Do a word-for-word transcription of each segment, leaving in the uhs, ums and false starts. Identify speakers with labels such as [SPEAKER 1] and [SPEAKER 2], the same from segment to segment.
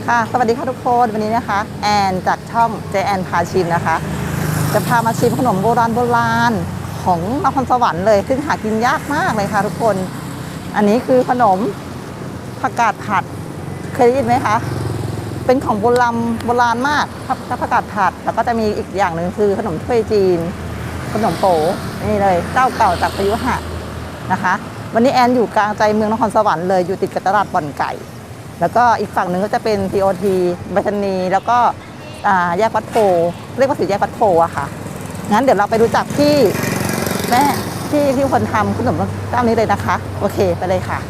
[SPEAKER 1] ค่ะสวัสดีค่ะทุกคนวันนี้นะคะแอนจากช่องเจแอนพาชิมนะคะจะพามาชิมขนมโบราณโบราณของนครสวรรค์เลยซึ่งหากินยากมากเลยค่ะทุกคนอันนี้คือขนมผักกาดผัดเคยได้ยินไหมคะเป็นของโบราณโบราณมากผักกาดผัดแล้วก็จะมีอีกอย่างหนึ่งคือขนมถ้วยจีนขนมโป๋นี่เลยเจ้าเก่าจากพยุหะนะคะวันนี้แอนอยู่กลางใจเมืองนครสวรรค์เลยอยู่ติดกับตลาดบ่อนไก่แล้วก็อีกฝั่งหนึ่งก็จะเป็น ที โอ ที ใบชนีแล้วก็แยกวัดโพเรียกว่าสี่แยกวัดโพอะค่ะงั้นเดี๋ยวเราไปรู้จักที่แม่ที่ที่คนทำขนมเจ้านี้เลยนะคะโอเคไปเลยค่ะ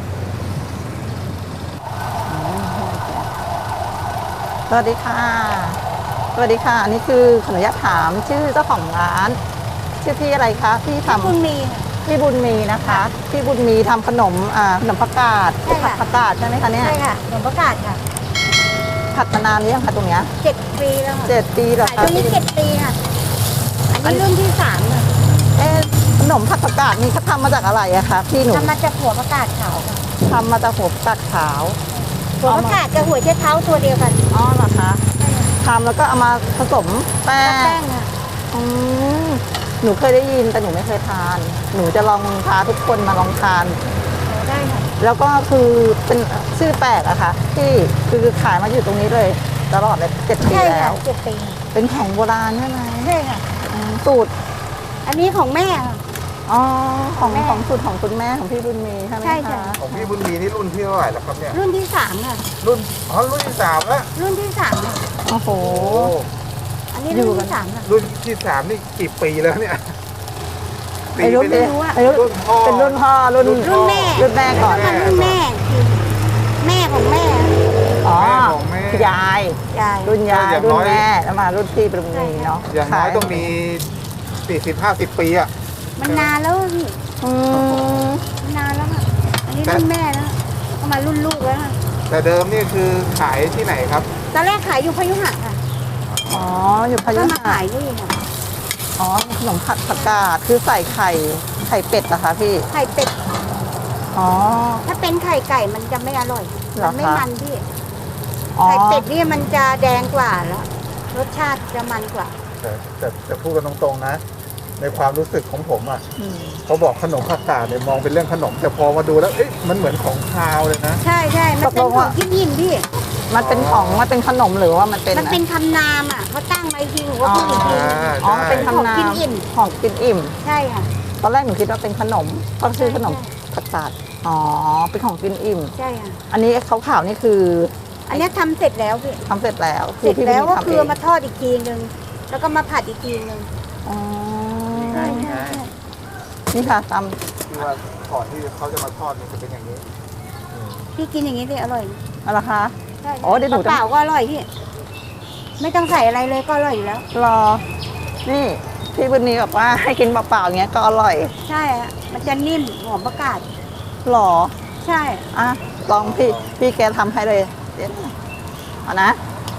[SPEAKER 1] สวัสดีค่ะสวัสดีค่ะอันนี้คือขออนุญาตถามชื่อเจ้าของร้านชื่อพี่อะไรคะพี่ทำ
[SPEAKER 2] บุญมี
[SPEAKER 1] พี่บุญมีนะคะพี่บุญมีทำขนมอ่าขนมผักกาดผัดผักกาดใช่ไหมคะเนี่ย
[SPEAKER 2] ใช่ค่ะขนมผักกาดค่ะ
[SPEAKER 1] ผัดมานานหรือยังคะตรงเนี้ย
[SPEAKER 2] เจ็ดปีแล้วค่ะ
[SPEAKER 1] เจ็ดปีเหรอคะ
[SPEAKER 2] ขายตรงนี้เจ็ดปีค่ะอันนี้รุ่นที่สามค่ะ
[SPEAKER 1] เอ๊ะขนมผัดผักกาดนี่เขาทำมาจากอะไรอะคะพี่หนู
[SPEAKER 2] ทำมาจากหัวผักกาดขาวค่ะ
[SPEAKER 1] ทำมาจากหัวผักกาดขาว
[SPEAKER 2] หัวผักกาดกับหัวเชื้อเท้าตัวเดียวกัน
[SPEAKER 1] อ๋อเหรอคะทำแล้วก็เอามาผสมแป้ง
[SPEAKER 2] แป้งค่ะ
[SPEAKER 1] อืมหนูเคยได้ยินแต่หนูไม่เคยทานหนูจะลองพาทุกคนมาลองทาน
[SPEAKER 2] ได้ค่ะ
[SPEAKER 1] แล้วก็คือเป็นชื่อแปลกอะค่ะที่คือขายมาอยู่ตรงนี้เลยตลอดเลยเจ็ดปีแล้ว
[SPEAKER 2] เจ็ดปี
[SPEAKER 1] เป็นของโบราณใช่ไหม
[SPEAKER 2] ใช่ค่ะ
[SPEAKER 1] สูตร
[SPEAKER 2] อันนี้ของแม่ค่ะ
[SPEAKER 1] อ๋อของของสูตรของคุณแม่ของพี่บุญมีใช่ไหมคะ
[SPEAKER 3] ของพี่บุญมีนี่รุ่นที่เท่าไหร่แล้วครับเนี่ย
[SPEAKER 2] รุ่นที่สามค่ะ
[SPEAKER 3] รุ่นอ๋อรุ่นที่สามแล้ว
[SPEAKER 2] รุ่นที่สามค่ะ
[SPEAKER 1] โอ้โห
[SPEAKER 2] อันนี้รุ่นที่สามค่ะ
[SPEAKER 3] รุ่นที่สามนี่กี่ปีแล้วเนี่ย
[SPEAKER 1] ปีไม่รู้อะรุ่นพ่อเป็นรุ่นพ่อรุ่น
[SPEAKER 2] รุ่นแม่
[SPEAKER 1] รุ่นแม่ก่อน
[SPEAKER 2] รุ่นแม่แม่ของแม่
[SPEAKER 1] อ๋อยาย
[SPEAKER 2] ยาย
[SPEAKER 1] รุ่นยายรุ่นแม่แล้วมารุ่นพี่บุญมีเนาะ
[SPEAKER 3] อย่างน้อยต้องมีสี่สิบห้าสิบปีอะ
[SPEAKER 2] มันนานแล้วพี่
[SPEAKER 1] อืม
[SPEAKER 2] นานแล้วค่ะอันนี้รุ่นแม่แล้วก็มารุ่นลูกแล้วค่ะ
[SPEAKER 3] แต่เดิมนี่คือขายที่ไหนครับ
[SPEAKER 2] ตอนแรกขายอยู่พยุหะค่ะ
[SPEAKER 1] อ๋ออยู่พยุหะ
[SPEAKER 2] ขายนี่ค่ะ
[SPEAKER 1] อ๋อขนมผัดผักกาดคือใส่ไข่ไข่เป็ดเหรอคะพี่
[SPEAKER 2] ไข่เป็ด
[SPEAKER 1] อ๋อ
[SPEAKER 2] ถ้าเป็นไข่ไก่มันจะไม่อร่อยมันไม่มันพี่
[SPEAKER 1] ไข่
[SPEAKER 2] เป็ดนี่มันจะแดงกว่าแล้วรสชาติจะมันกว่า
[SPEAKER 3] แต่แต่แต่พูดกันตรงๆนะในความรู้สึกของผมอ่ะเขาบอกขนมผักกาดเนี่ยมองเป็นเรื่องขนมแต่พอมาดูแล้วเอ๊ะมันเหมือนของคาวเลยนะ
[SPEAKER 2] ใช่ใช่มันเป็นของที่ยินพี่
[SPEAKER 1] มันเป็นของมันเป็นขนมหรือว่ามันเป็น
[SPEAKER 2] มันเป็นคำนามอ่ะเขาตั้งมาทีหนูว่าพูดอีกที
[SPEAKER 1] อ๋อเป็นคำนาม
[SPEAKER 2] กินอิ่ม
[SPEAKER 1] ของกินอิ่ม
[SPEAKER 2] ใช่ค่ะ
[SPEAKER 1] ตอนแรกหนูคิดว่าเป็นขนมก็ชื่อขนมผักกาดอ๋อเป็นของกินอิ่ม
[SPEAKER 2] ใช่ค่ะ
[SPEAKER 1] อันนี้ขาวๆนี่คือ
[SPEAKER 2] อันนี้ทำเสร็จแล้วพี่
[SPEAKER 1] ทำเสร็จแล้ว
[SPEAKER 2] เสร็จแล้วก็คือมาทอดอีกทีนึงแล้วก็มาผัดอีกทีนึง
[SPEAKER 1] อ๋อ
[SPEAKER 2] ใช่ใช่
[SPEAKER 1] นี่ค่ะท
[SPEAKER 3] ำที่ว่าก่อนที่เขาจะมาทอดมันจะเป็นอย่างนี้
[SPEAKER 2] พี่กินอย่างนี้ดิอร่อย
[SPEAKER 1] อะไรคะ
[SPEAKER 2] ใช่อ๋อเดี๋ยวหนูเปล่าก็อร่อยพี่ไม่ต้องใส่อะไรเลยก็อร่อยอยู่แล้ว
[SPEAKER 1] รอนี่พี่บุญมีบอกว่าให้กินเปล่าๆอย่างเงี้ยก็อร่อย
[SPEAKER 2] ใช่ฮะมันจะนิ่มหอมประกาศ
[SPEAKER 1] หรอ
[SPEAKER 2] ใช่
[SPEAKER 1] อ่ะลองพี่พี่แกทำให้เลยเดี๋ยวเอานะ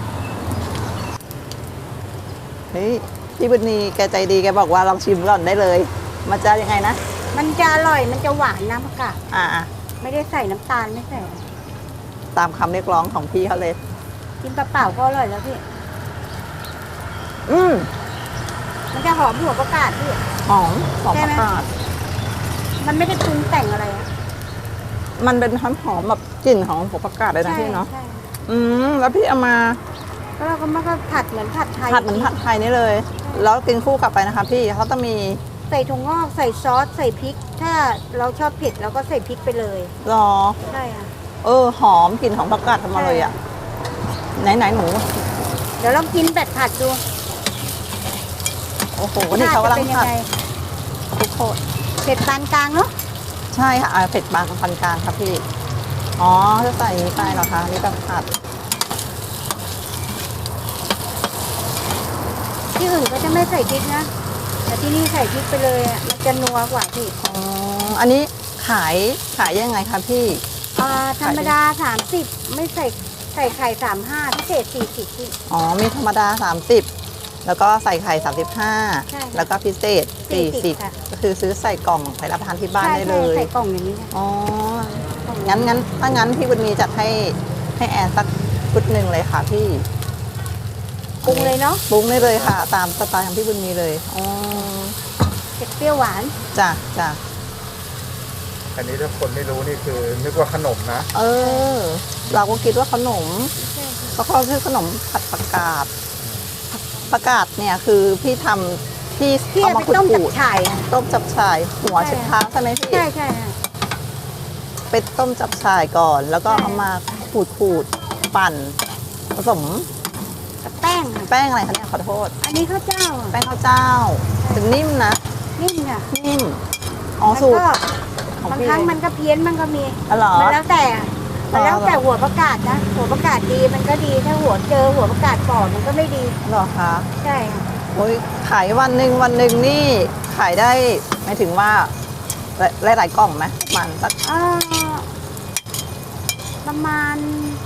[SPEAKER 1] เฮ้ยพี่บุญมีแกใจดีแกบอกว่าลองชิมก่อนได้เลยมันจะยังไงนะ
[SPEAKER 2] มันจะอร่อยมันจะหวานน้ำประกาศ
[SPEAKER 1] อ่า
[SPEAKER 2] ไม่ได้ใส่น้ำตาลไม่ใส่
[SPEAKER 1] ตามคำเรียกร้องของพี่เขาเลย
[SPEAKER 2] กินเปล่าๆก็อร่อยแล้วพี่
[SPEAKER 1] อืม
[SPEAKER 2] มันจะหอมหัวประกาศพี่
[SPEAKER 1] หอมหอมประกาศ
[SPEAKER 2] มันไม่ได้ปรุงแต่งอะไรอะ
[SPEAKER 1] มันเป็นหอมหอมแบบกลิ่นของหัวประกาศเลยนะพี่เนาะอืมแล้วพี่เอามา
[SPEAKER 2] แล้วเราก็มาก็ผัดเหมือนผัดไทย
[SPEAKER 1] ผัดเหมือนผัดไทยนี่เลยแล้วกินคู่กลับไปนะคะพี่เขาต้องมี
[SPEAKER 2] ใส่ถั่วงอกใส่ซอสใส่พริกถ้าเราชอบเผ็ดเราก็ใส่พริกไปเลย
[SPEAKER 1] หรอ
[SPEAKER 2] ใช่ค่ะ
[SPEAKER 1] เออหอมกลิ่นของผักกาดทำมาเลยอ่ะไหนไหนหนู
[SPEAKER 2] เดี๋ยวลองกินแบบผัดดู
[SPEAKER 1] โอ้โหนี่เขากำลังผัดทุกคน
[SPEAKER 2] เผ็ดปานกลางเนาะ
[SPEAKER 1] ใช่ค่ะเผ็ดปานปานกลางครับพี่อ๋อจะใส่นี้ไปเหรอคะนี่แบบผัด
[SPEAKER 2] ที่อื่นก็จะไม่ใส่พริกนะแต่ที่นี่ใส่พริกไปเลยอ่ะมันจะนัวกว่าพี่
[SPEAKER 1] อ๋ออันนี้ขายขายยังไงคะพี่
[SPEAKER 2] อ่าธรรมดาสามสิบไม่ใส่ใส่ไข่สามห้าพิเศษสี่สิบพี่
[SPEAKER 1] อ๋อมีธรรมดาสามสิบแล้วก็ใส่ไข่สามสิบห้าแล้วก็พิเศษสี่สิบก็คือซื้อใส่กล่องไปรับประทานที่บ้านได้เลย
[SPEAKER 2] ใส่กล่องอย่างนี้
[SPEAKER 1] อ๋องั้นงั้นถ้างั้นพี่บุญมีจัดให้ให้แอนสักชุดหนึ่งเลยค่ะพี่
[SPEAKER 2] ปรุงเลยเนาะ
[SPEAKER 1] ปรุงได้เลยค่ะ ตามสไตล์ของพี่บุญมีเลยอ๋อ
[SPEAKER 2] เผ็ดเปรี้ยวหวาน
[SPEAKER 1] จ้ะจ้ะ
[SPEAKER 3] อันนี้ถ้าคนไม่รู้นี่คือนึกว่าขนมนะ
[SPEAKER 1] เออ เราก็คิดว่าขนมเพราะเขาชื่อขนมผัดผักกาดผักกาดเนี่ยคือพี่ทำพี่
[SPEAKER 2] พี่
[SPEAKER 1] เอา
[SPEAKER 2] เอา
[SPEAKER 1] มา
[SPEAKER 2] ไป
[SPEAKER 1] ขูด
[SPEAKER 2] ต้ม
[SPEAKER 1] ขู
[SPEAKER 2] จับ
[SPEAKER 1] ด
[SPEAKER 2] ฉ่ายอะ
[SPEAKER 1] ต้มจับฉ่ายหัว
[SPEAKER 2] ใช่
[SPEAKER 1] เช็ดเท้าใช่ไหมพี่
[SPEAKER 2] ใช่ใช่ค่ะ
[SPEAKER 1] ไปต้มจับฉ่ายก่อน แล้วก็
[SPEAKER 2] ใช่
[SPEAKER 1] เอามาขูดขูดปั่น ผสม
[SPEAKER 2] กับแป้งค่ะ
[SPEAKER 1] แป้งอะไรคะเนี่ยขอโทษ
[SPEAKER 2] อันนี้ข้าวเจ้าอะ
[SPEAKER 1] แป้งข้าวเจ้า ถึงนิ่มนะ
[SPEAKER 2] นิ่มค่ะ
[SPEAKER 1] นิ่มอ๋อ
[SPEAKER 2] มัน
[SPEAKER 1] สูตร
[SPEAKER 2] ก็
[SPEAKER 1] ของ
[SPEAKER 2] บาง
[SPEAKER 1] พี่
[SPEAKER 2] ครั้งมันก็เพี้ยนมันก็มี
[SPEAKER 1] อ๋อเหรอ
[SPEAKER 2] มันแล้วแต่อะมันแล้ว
[SPEAKER 1] อ๋อเหรอ
[SPEAKER 2] แต่หัวประกาศนะ หัวประกาศดีมันก็ดี ถ้าหัวเจอหัวประกาศปอดมันก็ไม่ดี
[SPEAKER 1] เหรอคะ
[SPEAKER 2] ใช่ค่ะ
[SPEAKER 1] โอ้ยขายวันหนึ่งวันหนึ่งนี่ขายได้หมายถึงว่าหลายหลายๆกล่องไหมมันสัก
[SPEAKER 2] เอ่อประมาณ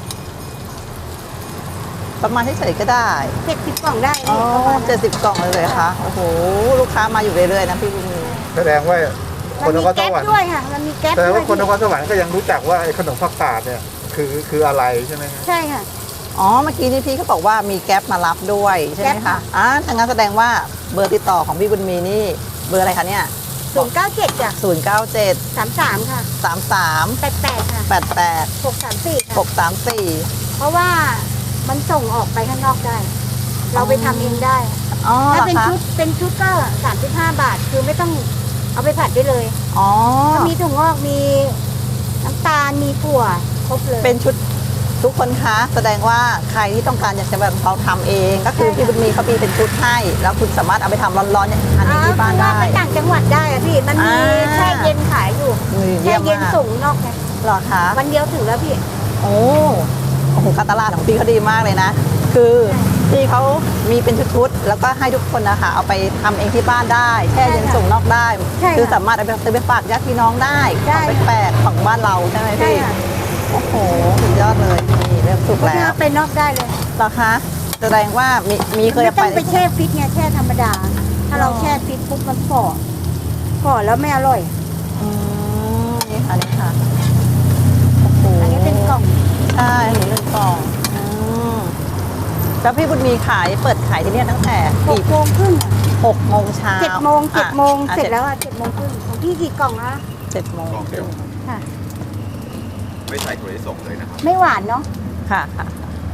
[SPEAKER 1] ประมาณเฉยๆก็ได้
[SPEAKER 2] เจ็ดสิบกล่องได้
[SPEAKER 1] อ๋อ
[SPEAKER 2] ประมาณนั้น
[SPEAKER 1] เจ็ดสิบกล่องเลยเลยคะโอ้โหลูกค้ามาอยู่เรื่อยๆนะพี่บุญมี
[SPEAKER 3] แสดงว่าค
[SPEAKER 2] มัน
[SPEAKER 3] นน
[SPEAKER 2] มี
[SPEAKER 3] ครส
[SPEAKER 2] แก๊ป
[SPEAKER 3] วรรค์
[SPEAKER 2] ด้วยค่ะ มันมีแก๊ป
[SPEAKER 3] แสดง
[SPEAKER 2] ด้วย
[SPEAKER 3] ว่าคนนครสวรรค์ก็ยังรู้จักว่าไอ้ขนมผักกาดเนี่ยคือคืออะไรใช่ไหมครับ
[SPEAKER 2] ใช่ค่ะ
[SPEAKER 1] อ๋อเมื่อกี้นี่พี่เขาบอกว่ามีแก๊ปมารับด้วยใช่ไหม
[SPEAKER 2] แก๊ป
[SPEAKER 1] คะ
[SPEAKER 2] ค่ะ
[SPEAKER 1] อ่าทางนั้นแสดงว่าเบอร์ติดต่อของพี่บุญมีนี่เบอร์อะไรคะเนี่ย
[SPEAKER 2] ศูนย์เก้าเจ็ดจ้ะ
[SPEAKER 1] ศูนย์เก้าเจ็ด
[SPEAKER 2] สามสามค่ะ
[SPEAKER 1] สามสาม
[SPEAKER 2] แปดแปดค่ะ
[SPEAKER 1] แปดแปด
[SPEAKER 2] หกสามสี่
[SPEAKER 1] ห
[SPEAKER 2] ค่ะ
[SPEAKER 1] กสามสี่
[SPEAKER 2] เพราะว่ามันส่งออกไปข้างนอกได้ เราไปทำเองได้
[SPEAKER 1] อ๋อเหร
[SPEAKER 2] ถ้า
[SPEAKER 1] อ
[SPEAKER 2] เป็น
[SPEAKER 1] คะ
[SPEAKER 2] ชุดเป็นชุดก็สามสิบห้าบาท คือไม่ต้องเอาไปผัดได้เลย
[SPEAKER 1] อ๋อ
[SPEAKER 2] มีถั่วงอกมีน้ำตาลมีถั่วครบเลย
[SPEAKER 1] เป็นชุดทุกคนคะแสดงว่าใครที่ต้องการอยากจะแบบเขาทำเอง ก็คือ
[SPEAKER 2] ใช่ค่ะ
[SPEAKER 1] พี่บุญมีเขามีเป็นชุดให้ แล้วคุณสามารถเอาไปทำร้อนๆเนี่ยทานเองที่บ้านได้
[SPEAKER 2] อ่ไปต่างจังหวัดได้อะพี่ มันมี
[SPEAKER 1] อ่า
[SPEAKER 2] แช่เย็นขายอยู่
[SPEAKER 1] มือ
[SPEAKER 2] แช่
[SPEAKER 1] เยี่ยม
[SPEAKER 2] เย็น
[SPEAKER 1] มาก
[SPEAKER 2] ส่งนอกไง
[SPEAKER 1] เหรอคะ
[SPEAKER 2] วันเดียวถึงแล้วพี่
[SPEAKER 1] โอ้โอ้โหการตลาดของพี่เขาดีมากเลยนะ คือพี่เขามีเป็นชุดๆแล้วก็ให้ทุกคนนะคะเอาไปทำเองที่บ้านได้แช่เย็น
[SPEAKER 2] ใช่ค่ะ
[SPEAKER 1] ส่งนอกได้
[SPEAKER 2] ใช่ค่ะ
[SPEAKER 1] คือสามารถเอาไปซื้อไปฝากญาติพี่น้องได้
[SPEAKER 2] ได้
[SPEAKER 1] ของแปลกๆของบ้านเราใช่ไหม
[SPEAKER 2] ใช่
[SPEAKER 1] พี่
[SPEAKER 2] ค่ะ
[SPEAKER 1] โอ้โหสุดยอดเลยนี่เริ่มสุก
[SPEAKER 2] เพราะ
[SPEAKER 1] แล้
[SPEAKER 2] ฉะนั้
[SPEAKER 1] วน
[SPEAKER 2] ไปนอกได้เลย
[SPEAKER 1] เหรอคะแสดงว่ามีมีเคย
[SPEAKER 2] ไม่
[SPEAKER 1] เอา
[SPEAKER 2] ต้
[SPEAKER 1] ไป
[SPEAKER 2] องไปแช่ฟิตไงแช่ธรรมดา ถ้าเรา
[SPEAKER 1] อ๋อ
[SPEAKER 2] แช่ฟิตปุ๊บมันฝ่อฝ่อแล้วไม่อร่อย
[SPEAKER 1] อืมนี่ค่ะนี่ค่ะโอ้โห
[SPEAKER 2] อันนี้เป็นกล่อง
[SPEAKER 1] ใช่อันนี้เป็นกล่องอืมแล้วพี่บุญมีขายเปิดขายที่เนี่ยตั้งแต่
[SPEAKER 2] ห
[SPEAKER 1] กี่
[SPEAKER 2] กโมงครึ่งอะ
[SPEAKER 1] หกโมงเช้า
[SPEAKER 2] เจ็ดโมงเจ็ดโมง
[SPEAKER 1] อ่ะ
[SPEAKER 2] เสร็จแล้วอะเจ็ดโมงครึ่งของพี่กี่กล่องอะ
[SPEAKER 1] เจ็ดโมง
[SPEAKER 4] กล่องเดียว
[SPEAKER 2] ค่ะ
[SPEAKER 4] ไม่ใส่ถั่วลิสงเลยนะครับ
[SPEAKER 2] ไม่หวานเนาะ
[SPEAKER 1] ค่ะค่ะ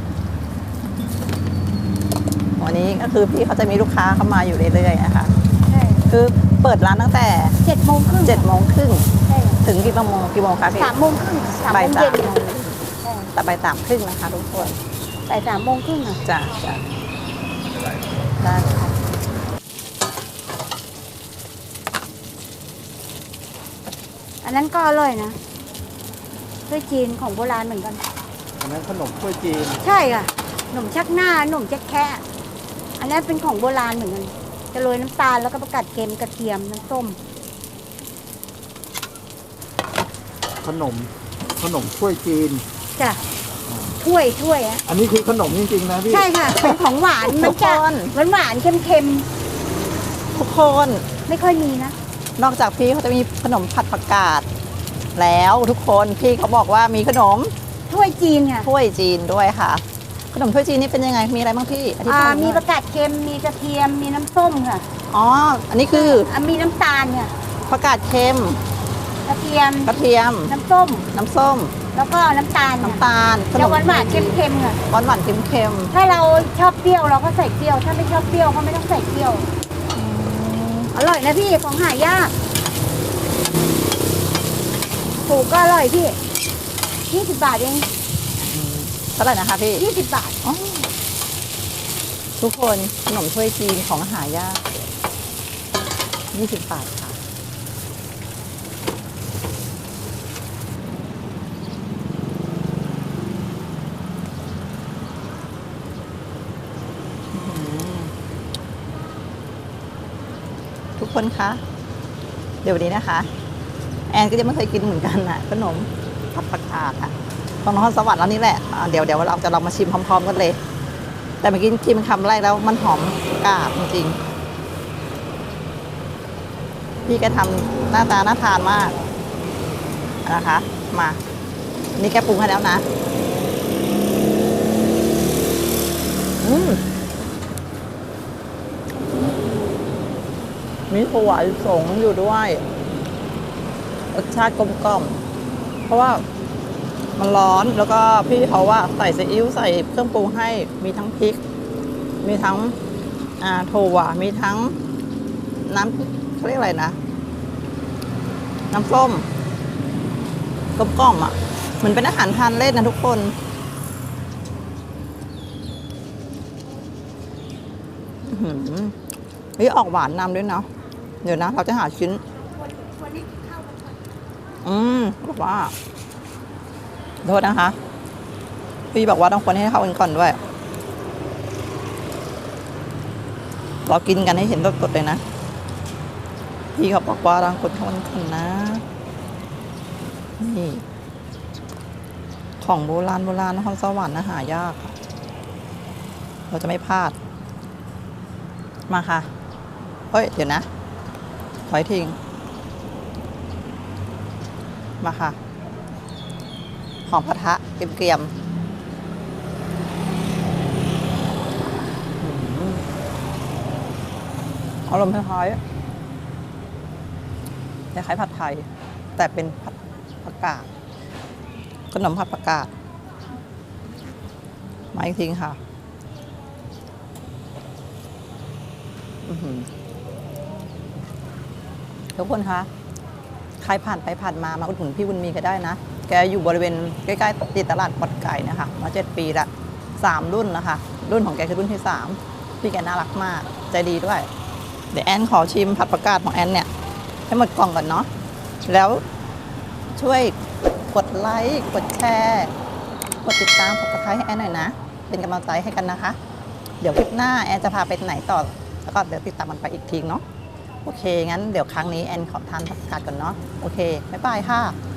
[SPEAKER 1] วันนี้ก็คือพี่เขาจะมีลูกค้าเข้ามาอยู่เรื่อยๆนะคะ
[SPEAKER 2] ใช่
[SPEAKER 1] คือเปิดร้านตั้งแต่
[SPEAKER 2] เจ็ดโมงครึ่ง
[SPEAKER 1] เจ็ดโมงครึ่ง
[SPEAKER 2] ใช่
[SPEAKER 1] ถึงกี่โมงกี่โมงคะพี่
[SPEAKER 2] สามโมงครึ่งสามโม
[SPEAKER 1] บ่าย
[SPEAKER 2] ง
[SPEAKER 1] สา
[SPEAKER 2] เย็
[SPEAKER 1] ม
[SPEAKER 2] นใช่
[SPEAKER 1] แต่บ่ายสามครึ่งนะคะทุกคน
[SPEAKER 2] บ่ายสามโมงครึ่งอะ
[SPEAKER 1] จ้ะจ้ะได้ค่ะ
[SPEAKER 2] อันนั้นก็อร่อยนะด้วยจีนของโบราณเหมือนกัน
[SPEAKER 3] อันนั้นขนมถ้วยจีน
[SPEAKER 2] ใช่ค่ะขนมชักหน้าขนมชักแคะอันนั้นเป็นของโบราณเหมือนกัน จะโรยน้ำตาลแล้วก็ประกาศเค็มกระเทียมน้ำส้ม
[SPEAKER 3] ขนมขนมถ้วยจีน
[SPEAKER 2] จ้ะถ้วยถ้วยอะ
[SPEAKER 3] อันนี้คือขนมจริงๆนะพี่
[SPEAKER 2] ใช่ค่ะ เป็นของหวานมันจะหวานหวานๆเค็มเค็ม
[SPEAKER 1] ทุกคน
[SPEAKER 2] ๆไม่ค่อยมีนะ
[SPEAKER 1] นอกจากพี่เขาจะมีขนมผัดผักกาดแล้วทุกคนพี่เขาบอกว่ามีขนม
[SPEAKER 2] ถ้วยจีนค่ะ
[SPEAKER 1] ถ้วยจีนด้วยค่ะ ขนมถ้วยจีนนี่เป็นยังไงมีอะไรบ้างพี่อธิ
[SPEAKER 2] อ่า
[SPEAKER 1] บายหน่อย
[SPEAKER 2] มีประกาศเค็มมีกระเทียมมีน้ำส้มค่ะ
[SPEAKER 1] อ๋ออันนี้คือ
[SPEAKER 2] อ่ะมีน้ำตาลค่ะ
[SPEAKER 1] ผักกาดเค็ม
[SPEAKER 2] กระเทียม
[SPEAKER 1] กระเทียม
[SPEAKER 2] น้ำส้ม
[SPEAKER 1] น้ำส้ม
[SPEAKER 2] แล้วก็น้ำตาล
[SPEAKER 1] น้ำตาล
[SPEAKER 2] จะหวานหวานๆเค็มเค็มๆค่ะ
[SPEAKER 1] หวานหวานๆเค็มเค็ม
[SPEAKER 2] ถ้าเราชอบเปรี้ยวเราก็ใส่เปรี้ยว ถ้าไม่ชอบเปรี้ยวก็ไม่ต้องใส่เปรี้ยว อร่อยนะพี่ของหายากถูกก็อร่อยพี่ยี่สิบบาทเอง
[SPEAKER 1] ๆเท่าไหร่นะคะพี่
[SPEAKER 2] ยี่สิบบาท
[SPEAKER 1] อ๋อทุกคนขนมถ้วยจีนของหายากยี่สิบบาทค่ะอื้อหือทุกคนคะ เดี๋ยววันนี้นะคะ แอนก็ยังไม่เคยกินเหมือนกันนะขนมผัดผักกาดค่ะของนครสวรรค์แล้วนี่แหละอ่าเดี๋ยวเดี๋ยวเราจะลองมาชิมพร้อมๆกันเลย แต่เมื่อกี้ชิมคำแรกแล้วมันหอมกาบจริงๆพี่แกทำหน้าตาน่าทานมากนะคะ มา นี่แกปรุงให้แล้วนะอืมมีถั่วลิสงอยู่ด้วยรสชาติกลมกล่อมเพราะว่ามันร้อนแล้วก็พี่เขาว่าใส่ซีอิ๊วใส่เครื่องปรุงให้มีทั้งพริก มีทั้งอ่าถั่วมีทั้งน้ำเขาเรียกอะไรนะ น้ำส้มกลมกล่อมอ่ะเหมือนเป็นอาหารทานเล่นนะทุกคนอื้อหือเฮ้ยออกหวานนำด้วยเนาะเดี๋ยวนะ เราจะหาชิ้น อืมบอกว่าโทษนะคะ พี่บอกว่าต้องคนให้เข้ากันก่อนด้วย เรากินกันให้เห็นสดๆเลยนะ พี่เขาบอกว่าต้องคนเข้ากันก่อนนะ นี่ ของโบราณโบราณนครสวรรค์นะหายากค่ะเราจะไม่พลาด มาค่ะ เฮ้ย เดี๋ยวนะ ถอยทิ้ง มาค่ะ หอมกระทะเกรียมๆอารมณ์คล้ายๆคล้ายๆผัดไทย แต่เป็นผัดผักกาดขนมผัดผักกาดมาอีกทีค่ะอื้อหือทุกคนคะ ใครผ่านไปผ่านมามาอุดหนุนพี่บุญมีก็ได้นะ แกอยู่บริเวณใกล้ๆติดตลาดปอดไก่นะคะมาเจ็ดปีละสามรุ่นนะคะ รุ่นของแกคือรุ่นที่สามพี่แกน่ารักมาก ใจดีด้วย เดี๋ยวแอนขอชิมผัดผักกาดของแอนเนี่ย ให้หมดกล่องก่อนเนาะแล้วช่วยกดไลค์กดแชร์กดติดตามกดติดตามให้แอนหน่อยนะ เป็นกำลังใจให้กันนะคะ เดี๋ยวคลิปหน้าแอนจะพาไปไหนต่อแล้วก็เดี๋ยวติดตามมันไปอีกทีเนาะโอเค งั้นเดี๋ยวครั้งนี้แอนขอทานผักกาดก่อนเนาะโอเคบ๊ายบายค่ะ